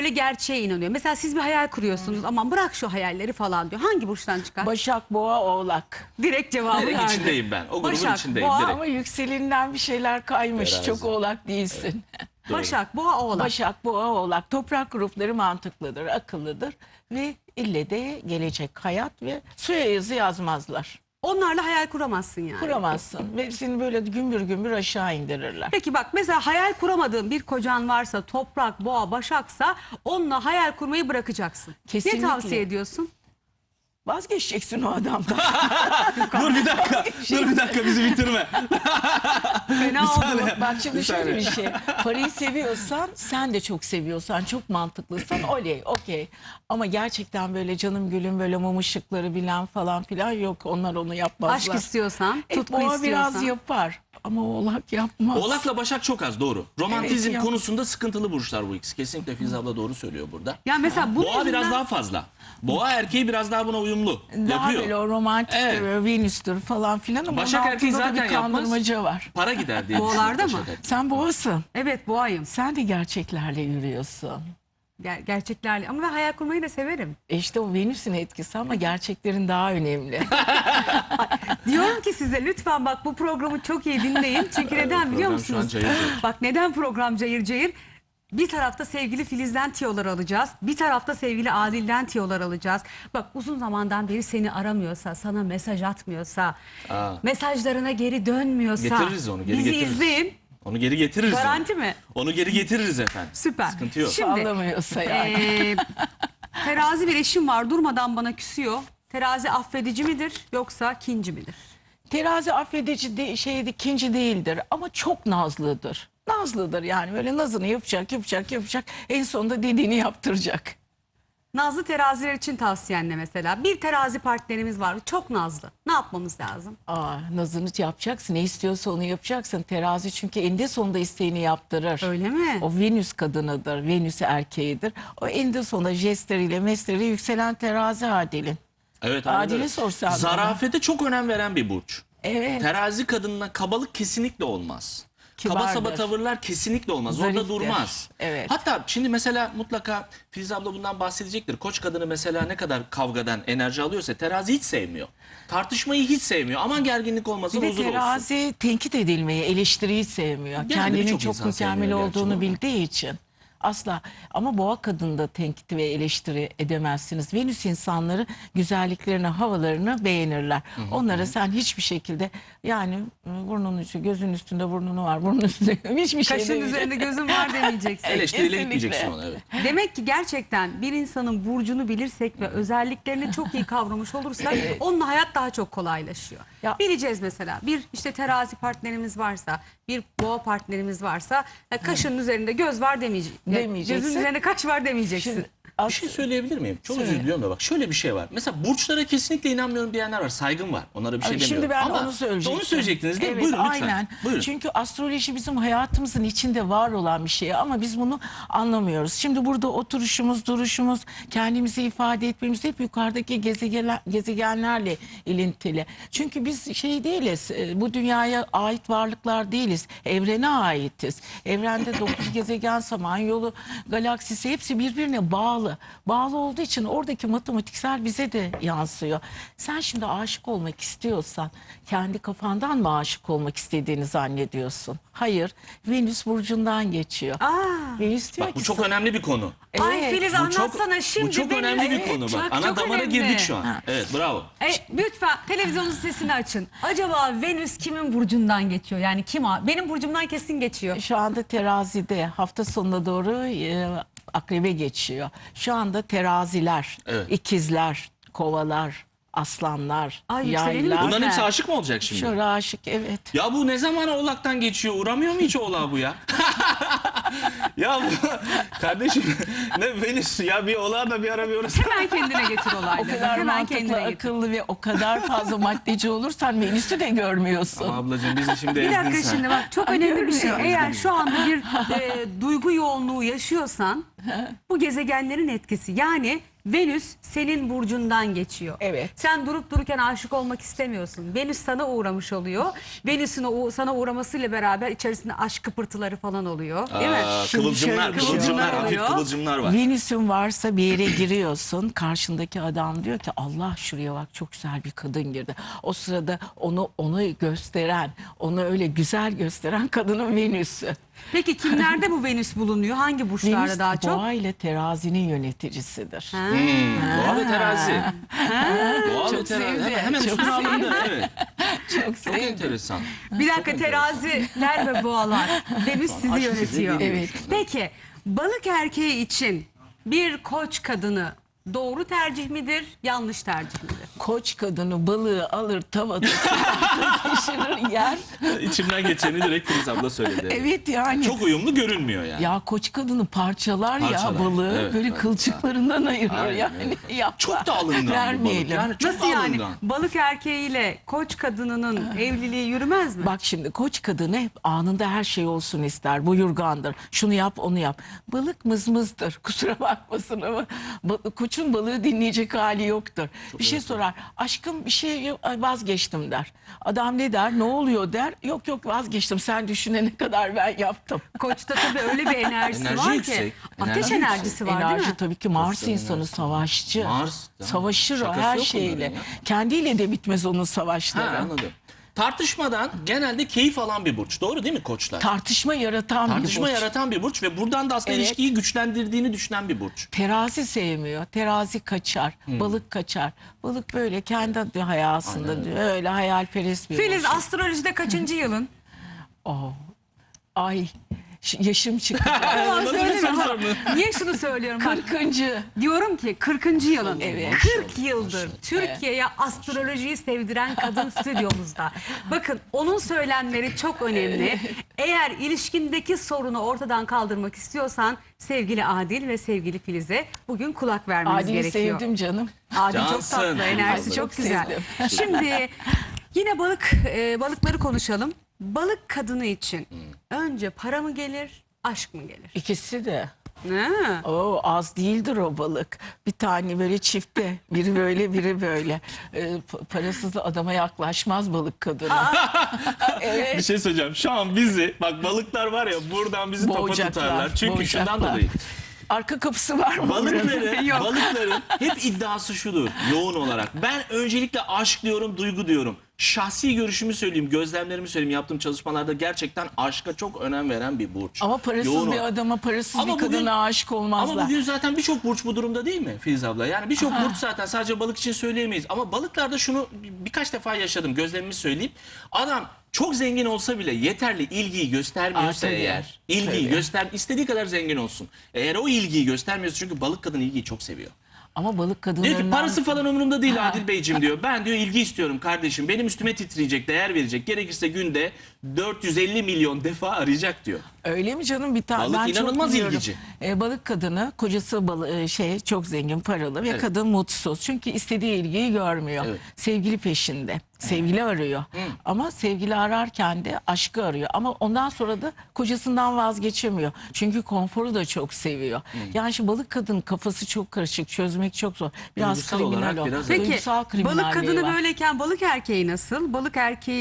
böyle gerçeğe inanıyor. Mesela siz bir hayal kuruyorsunuz. Aman bırak şu hayalleri falan diyor. Hangi burçtan çıkar? Başak, Boğa, Oğlak. Direkt cevabı Direkt verdi. içindeyim ben. O grubun Başak, içindeyim Boğa, direkt. Ama yükselinden bir şeyler kaymış. Terazi. Çok Oğlak değilsin. Doğru. Başak, Boğa, Oğlak. Başak, Boğa, Oğlak. Toprak grupları mantıklıdır, akıllıdır. Ve ille de gelecek hayat ve suya yazı yazmazlar. Onlarla hayal kuramazsın yani. Kuramazsın ve seni böyle gümbür gümbür aşağı indirirler. Peki bak mesela hayal kuramadığın bir kocan varsa, Toprak, Boğa, Başaksa onunla hayal kurmayı bırakacaksın. Kesinlikle. Ne tavsiye ediyorsun? Vazgeçeceksin o adamdan. Dur bir dakika. Dur bir dakika bizi bitirme. Fena oldu. Bak şimdi şöyle saniye. bir şey. Parayı seviyorsan, sen de çok seviyorsan, çok mantıklıysan oley, okey. Ama gerçekten böyle canım gülüm böyle mum ışıkları bilen falan filan yok. Onlar onu yapmazlar. Aşk istiyorsan, tutku Boğa istiyorsan. biraz yapar ama Oğlak yapmaz. Oğlak'la Başak çok az doğru. Romantizm Evet, konusunda sıkıntılı burçlar bu ikisi. Kesinlikle Filiz abla doğru söylüyor burada. Ya mesela bunun Boğa biraz yüzünden- daha fazla. Boğa erkeği biraz daha buna uyumlu. Daha Yapıyor. böyle o romantiktir, Evet. Venüs'tür falan filan ama Başak onun erkeği altında da zaten bir yapmaz. kandırmaca var. Para gider diye Boğalarda düşünüyorum mı? Başak erkeği. Sen Boğasın. Evet, Boğayım. Sen de gerçeklerle yürüyorsun. Gerçeklerle ama ben hayal kurmayı da severim. İşte o Venüs'ün etkisi ama gerçeklerin daha önemli. Diyorum ki size lütfen bak bu programı çok iyi dinleyin. Çünkü neden biliyor program şu an musunuz? cayır cayır. Bak neden program cayır cayır? Bir tarafta sevgili Filiz'den tiyolar alacağız. Bir tarafta sevgili Adil'den tiyolar alacağız. Bak uzun zamandan beri seni aramıyorsa, sana mesaj atmıyorsa, mesajlarına geri dönmüyorsa Getiririz onu, geri bizi getiririz. izleyin. Onu geri getiririz. Garanti onu. mi? Onu geri getiririz efendim. Süper. Sıkıntı yok. Şimdi Anlamıyorsa yani. terazi bir eşim var durmadan bana küsüyor. Terazi affedici midir yoksa kinci midir? Terazi affedici ikinci değildir ama çok nazlıdır. Nazlıdır yani böyle nazını yapacak. En sonunda dediğini yaptıracak. Nazlı teraziler için tavsiyen ne mesela? Bir terazi partnerimiz var çok nazlı. Ne yapmamız lazım? Nazını yapacaksın. Ne istiyorsa onu yapacaksın. Terazi çünkü eninde sonunda isteğini yaptırır. Öyle mi? O Venüs kadınıdır. Venüs erkeğidir. O eninde sonunda jestleriyle mesleriyle yükselen terazi Adil'in. Evet, Adil'e anladım. sorsan bana. Zarafete çok önem veren bir burç. Evet. Terazi kadınına kabalık kesinlikle olmaz. Kaba Kibardır. saba tavırlar kesinlikle olmaz. Orada Zariftir. durmaz. Evet. Hatta şimdi mesela mutlaka Filiz abla bundan bahsedecektir. Koç kadını mesela ne kadar kavgadan enerji alıyorsa terazi hiç sevmiyor. Tartışmayı hiç sevmiyor. Aman gerginlik olmasın, Bir de huzur olsun. terazi tenkit edilmeyi, eleştiriyi sevmiyor. Yani Kendinin birçok çok insan mükemmel sevmiyor gerçi olduğunu bunu. bildiği için. Asla. Ama boğa kadında tenkit ve eleştiri edemezsiniz. Venüs insanları güzelliklerini, havalarını beğenirler. Onlara sen hiçbir şekilde yani burnun ucu, gözün üstünde burnunu var, burnun üstünde hiçbir şey Kaşın demeyecek. üzerinde gözüm var demeyeceksin. Eleştiriyle Kesinlikle. gitmeyeceksin ona, evet. Demek ki gerçekten bir insanın burcunu bilirsek ve özelliklerini çok iyi kavramış olursak onunla hayat daha çok kolaylaşıyor. Ya- Bileceğiz mesela bir işte terazi partnerimiz varsa, bir boğa partnerimiz varsa kaşın üzerinde göz var Demeyeceksin. Gözün üzerinde kaş var demeyeceksin. Şimdi Bir şey söyleyebilir miyim? Çok Söyle. özür diliyorum da bak şöyle bir şey var. Mesela burçlara kesinlikle inanmıyorum diyenler var. Saygım var. Onlara bir şey demiyorum. Şimdi ben Ama onu söyleyecektim. onu söyleyecektiniz değil mi? Evet, Buyurun lütfen. aynen. Buyurun. Çünkü astroloji bizim hayatımızın içinde var olan bir şey ama biz bunu anlamıyoruz. Şimdi burada oturuşumuz, duruşumuz, kendimizi ifade etmemiz hep yukarıdaki gezegenlerle ilintili. Çünkü biz şey değiliz, bu dünyaya ait varlıklar değiliz. Evrene aitiz. Evrende 9 gezegen, Samanyolu, galaksisi hepsi birbirine bağlı. Bağlı olduğu için oradaki matematiksel bize de yansıyor. Sen şimdi aşık olmak istiyorsan kendi kafandan mı aşık olmak istediğini zannediyorsun? Hayır. Venüs burcundan geçiyor. Venüs diyor Bak bu ki çok sana- önemli bir konu. Ay Evet, Filiz Bu çok, anlatsana şimdi. bu çok benim- önemli bir Evet, konu bak. çok- Ana çok damara önemli. girdik şu an. Evet, bravo. Lütfen televizyonun sesini açın. Acaba Venüs kimin burcundan geçiyor? Yani kim? Benim burcumdan kesin geçiyor. Şu anda terazide hafta sonuna doğru akrebe geçiyor. Şu anda teraziler, Evet. ikizler, kovalar, aslanlar, Ay, yükselenin yaylar. mi? Bunların hepsi aşık mı olacak şimdi? Şöyle aşık evet. Ya bu ne zaman Oğlak'tan geçiyor? Uğramıyor mu hiç Oğlak'a bu ya? Ya bu, kardeşim ne Venüs ya bir Oğlak'a da bir ara bir orası. Hemen kendine getir O olayları. kadar Hemen mantıklı, kendine getir. akıllı ve o kadar fazla maddeci olursan Venüs'ü de görmüyorsun. Ama ablacığım bizi şimdi Bir ezdin dakika sen. şimdi bak çok önemli bir şey. görmüyorum. Eğer şu anda bir duygu yoğunluğu yaşıyorsan bu gezegenlerin etkisi. Yani Venüs senin burcundan geçiyor. Evet. Sen durup dururken aşık olmak istemiyorsun. Venüs sana uğramış oluyor. Venüs'ün sana uğramasıyla beraber içerisinde aşk kıpırtıları falan oluyor. Değil mi? Kıvılcımlar, Şimdi şöyle bir şey hafif oluyor. kıvılcımlar var. Venüs'ün varsa bir yere giriyorsun. Karşındaki adam diyor ki Allah şuraya bak çok güzel bir kadın girdi. O sırada onu gösteren, onu öyle güzel gösteren kadının Venüs'ü. Peki kimlerde bu Venüs bulunuyor? Hangi burçlarda Venüs daha çok? boğa ile terazinin yöneticisidir. Doğa ve terazi. Doğa ve Çok terazi. sevdi, Hemen çok üstüne sevdi. alındı. Evet. Çok Çok sevdim. enteresan. Bir dakika, teraziler ve boğalar. Venüs sizi Aşk sizi yönetiyor. geliyor Evet. şimdi. Peki balık erkeği için bir koç kadını doğru tercih midir, yanlış tercih midir? Koç kadını balığı alır tavada pişirir yer. İçimden geçeni direkt Filiz abla söyledi. Evet yani. Çok uyumlu görünmüyor yani. Ya koç kadını parçalar ya Parçalar, balığı evet, böyle evet. kılçıklarından ayırıyor Aynen, yani. Yapma. Çok da alıngan bu balık. Vermeyelim. Yani çok Nasıl yani? alıngan. Balık erkeğiyle koç kadınının evliliği yürümez mi? Bak şimdi koç kadını hep anında her şey olsun ister. Buyurgandır. Şunu yap onu yap. Balık mızmızdır. Kusura bakmasın ama koçun balığı dinleyecek hali yoktur. Bir şey sorar. Aşkım bir şey vazgeçtim der. Adam ne der? Ne oluyor der. Yok yok vazgeçtim. Sen düşünene kadar ben yaptım. Koçta tabii öyle bir enerjisi Enerji var yüksek, ki. enerji Ateş yüksek. enerjisi var Enerji değil mi? tabii ki Mars Koçların insanı enerjisi. savaşçı. Mars, değil mi? Savaşır o Şakası her yok şeyle. bunların ya. Kendiyle de bitmez onun Ha, savaşları. anladım. Tartışmadan genelde keyif alan bir burç. Doğru değil mi koçlar? Tartışma yaratan bir Tartışma burç. yaratan bir burç ve buradan da aslında Evet. ilişkiyi güçlendirdiğini düşünen bir burç. Terazi sevmiyor. Terazi kaçar. Balık kaçar. Balık böyle kendi hayasında diyor. Öyle hayalperest bir Filiz burç. astrolojide kaçıncı yılın? Oh. Ay yaşım çıktı. Tamam, nasıl bir söyleme. soru sorma? Niye şunu söylüyorum? Bak, 40. diyorum ki 40. yılın. Evet. 40 yıldır Türkiye'ye astrolojiyi sevdiren kadın stüdyomuzda. Bakın onun söylemleri çok önemli. Eğer ilişkindeki sorunu ortadan kaldırmak istiyorsan sevgili Adil ve sevgili Filiz'e bugün kulak vermeniz Adil'i gerekiyor. sevdim canım. Adil çok Cansın. tatlı, enerjisi Ay, çok çok güzel. sevdim. Şimdi yine balıkları konuşalım. Balık kadını için önce para mı gelir, aşk mı gelir? İkisi de. Ha. Oo, az değildir o balık. Bir tane böyle çifte. Biri böyle biri böyle. Parasız da adama yaklaşmaz balık kadını. Bir şey söyleyeceğim. Şu an bizi bak balıklar var ya buradan bizi topa Boğacaklar, tutarlar. Çünkü şundan boğacaklar. dolayı. Arka kapısı var mı? Balıkların hep iddiası şudur yoğun olarak. Ben öncelikle aşk diyorum, duygu diyorum. Şahsi görüşümü söyleyeyim, gözlemlerimi söyleyeyim. Yaptığım çalışmalarda gerçekten aşka çok önem veren bir burç. Ama parasız Yoğun bir olarak. adama parasız Ama bir kadına bugün- aşık olmazlar. Ama bugün zaten birçok burç bu durumda değil mi Filiz abla? Yani birçok burç zaten sadece balık için söyleyemeyiz. Ama balıklarda şunu birkaç defa yaşadım, gözlemimi söyleyeyim. Adam çok zengin olsa bile yeterli ilgiyi göstermiyorsa tabii. eğer, ilgiyi Tabii. istediği kadar zengin olsun. Eğer o ilgiyi göstermiyorsa çünkü balık kadın ilgiyi çok seviyor. Ama balık Diyor kadınlarından... ki parası falan umurumda değil Adil Beyciğim diyor. Ben diyor ilgi istiyorum kardeşim. Benim üstüme titreyecek, değer verecek. Gerekirse günde 450 milyon defa arayacak diyor. Öyle mi canım bir tane? Balık ben çok inanılmaz biliyorum. ilgici. Balık kadını kocası çok zengin paralı ve Evet. kadın mutsuz. Çünkü istediği ilgiyi görmüyor. Evet. Sevgili peşinde. Sevgili arıyor. Ama sevgili ararken de aşkı arıyor. Ama ondan sonra da kocasından vazgeçemiyor. Çünkü konforu da çok seviyor. Yani şu balık kadın kafası çok karışık. Çözmek çok zor. Biraz Duygusal kriminal olarak o. biraz- Peki Duygusal balık kriminalliği kadını var. böyleyken balık erkeği nasıl? Balık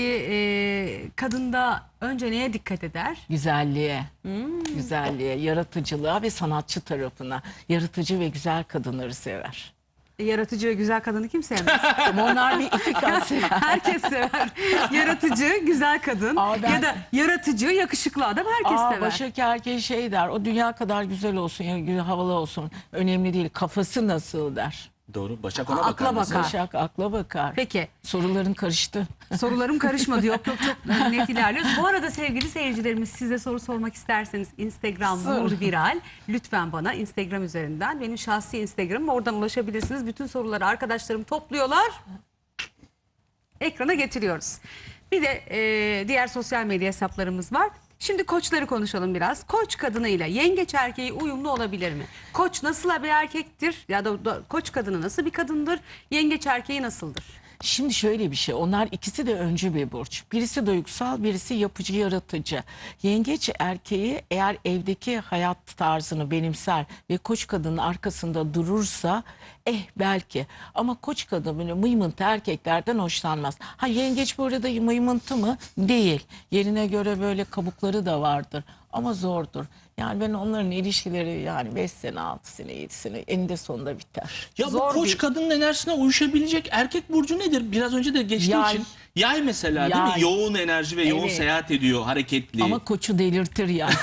erkeği kadında önce neye dikkat eder? Güzelliğe, güzelliğe, yaratıcılığa ve sanatçı tarafına. Yaratıcı ve güzel kadınları sever. Yaratıcı ve güzel kadını kim sevmez? Ama onlar bir iki kat sever. Herkes sever. Yaratıcı, güzel kadın Aa, ben- ya da yaratıcı, yakışıklı adam herkes sever. Başak erkeği şey der, o dünya kadar güzel olsun, ya havalı olsun, önemli değil, kafası nasıl der. Doğru. Başak ona Akla bakar mesela. bakar. Başak akla bakar. Peki Soruların karıştı. sorularım karışmadı. Yok çok net ilerliyoruz. Bu arada sevgili seyircilerimiz size soru sormak isterseniz Instagram Sor. Nur Viral lütfen bana Instagram üzerinden benim şahsi Instagram'ım oradan ulaşabilirsiniz. Bütün soruları arkadaşlarım topluyorlar. Ekrana getiriyoruz. Bir de diğer sosyal medya hesaplarımız var. Şimdi koçları konuşalım biraz. Koç kadınıyla yengeç erkeği uyumlu olabilir mi? Koç nasıl bir erkektir? Ya da koç kadını nasıl bir kadındır? Yengeç erkeği nasıldır? Şimdi şöyle bir şey, onlar ikisi de öncü bir burç. Birisi duygusal, birisi yapıcı, yaratıcı. Yengeç erkeği eğer evdeki hayat tarzını benimser ve koç kadının arkasında durursa belki. Ama koç kadın böyle mıymıntı erkeklerden hoşlanmaz. Ha, yengeç bu arada mıymıntı mı? Değil. Yerine göre böyle kabukları da vardır. Ama zordur. Yani ben onların ilişkileri yani 5 sene, 6 sene, 7 sene eninde sonunda biter. Ya Zor bu koç bir- kadının enerjisine uyuşabilecek erkek burcu nedir? Biraz önce de geçtiğim Yay. için. Yay mesela değil mi? Yay. Yoğun enerji ve yoğun Evet. seyahat ediyor, hareketli. Ama koçu delirtir yani.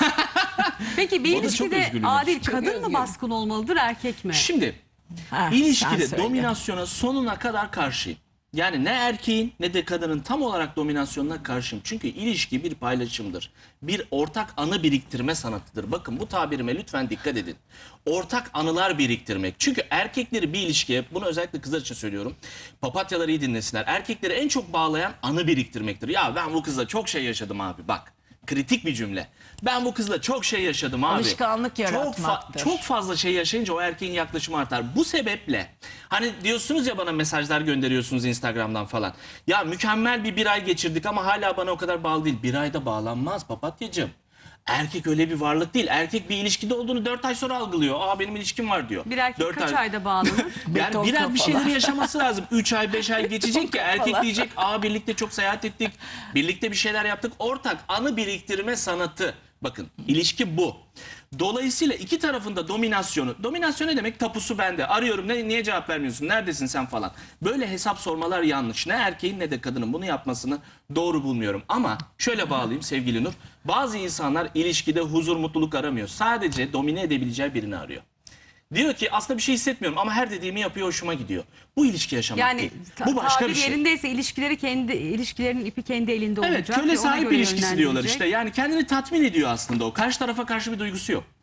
Peki bir O da çok ilişkide özgür Adil ilişki. kadın mı özgür. baskın olmalıdır, erkek mi? Şimdi Ha, sen İlişkide söyle. dominasyona sonuna kadar karşıyım. Yani ne erkeğin ne de kadının tam olarak dominasyonuna karşıyım. Çünkü ilişki bir paylaşımdır. Bir ortak anı biriktirme sanatıdır. Bakın bu tabirime lütfen dikkat edin. Ortak anılar biriktirmek. Çünkü erkekleri bir ilişkiye, bunu özellikle kızlar için söylüyorum. Papatyaları iyi dinlesinler. Erkekleri en çok bağlayan anı biriktirmektir. Ya ben bu kızla çok şey yaşadım abi, bak. Kritik bir cümle. Ben bu kızla çok şey yaşadım abi. Alışkanlık yaratmaktır. Çok fazla şey yaşayınca o erkeğin yaklaşımı artar. Bu sebeple hani diyorsunuz ya, bana mesajlar gönderiyorsunuz Instagram'dan falan. Ya mükemmel bir ay geçirdik ama hala bana o kadar bağlı değil. Bir ayda bağlanmaz papatyacığım. Erkek öyle bir varlık değil. Erkek bir ilişkide olduğunu 4 ay sonra algılıyor. Aa, benim ilişkim var diyor. Bir erkek 4 kaç ay. ayda bağlanır? Yani Beton birer bir kafalar. şeyleri yaşaması lazım. 3 ay 5 ay geçecek ki erkek diyecek, aa birlikte çok seyahat ettik. Birlikte bir şeyler yaptık. Ortak anı biriktirme sanatı. Bakın ilişki bu. Dolayısıyla iki tarafında dominasyonu. Dominasyon ne demek? Tapusu bende. Arıyorum, niye cevap vermiyorsun? Neredesin sen falan. Böyle hesap sormalar yanlış. Ne erkeğin ne de kadının bunu yapmasını doğru bulmuyorum. Ama şöyle bağlayayım sevgili Nur. Bazı insanlar ilişkide huzur, mutluluk aramıyor. Sadece domine edebileceği birini arıyor. Diyor ki aslında bir şey hissetmiyorum ama her dediğimi yapıyor, hoşuma gidiyor. Bu ilişki yaşamak Yani değil. Bu başka tabir bir şey. yerindeyse ilişkilerin ipi kendi elinde Evet, olacak. köle ve ona sahip göre ilişkisi diyorlar yönlendirecek. işte. Yani kendini tatmin ediyor aslında o. Karşı tarafa karşı bir duygusu yok.